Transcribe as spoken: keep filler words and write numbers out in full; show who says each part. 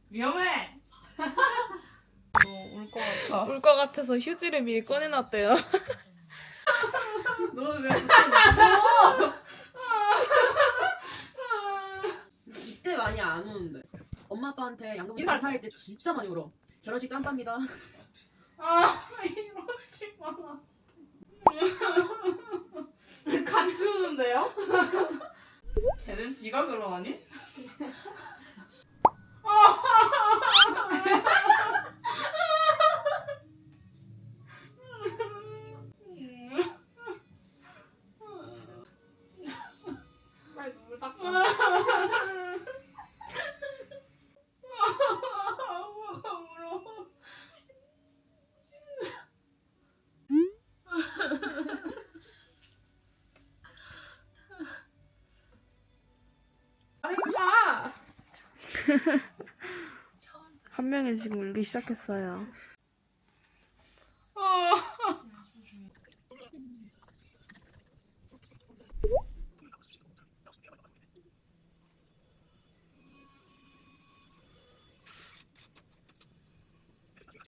Speaker 1: 위험해. 울 것 같아.
Speaker 2: 울 것 같아서 휴지를 미리 꺼내놨대요.
Speaker 1: 너는 왜 그렇게
Speaker 3: 이때 많이 안 우는데. 엄마 아빠한테 양금
Speaker 1: 인사를
Speaker 3: 인사할 때 진짜 많이 울어. 결혼식 짬밥니다.
Speaker 1: 아, 이러지 마.
Speaker 2: 같이 우는데요?
Speaker 1: 쟤는 지가 그러하니?
Speaker 2: 빨리 눈물 닦아.
Speaker 1: 엄마가 울어. 아이차.
Speaker 2: 한 명이 지금 울기 시작했어요.
Speaker 1: 아.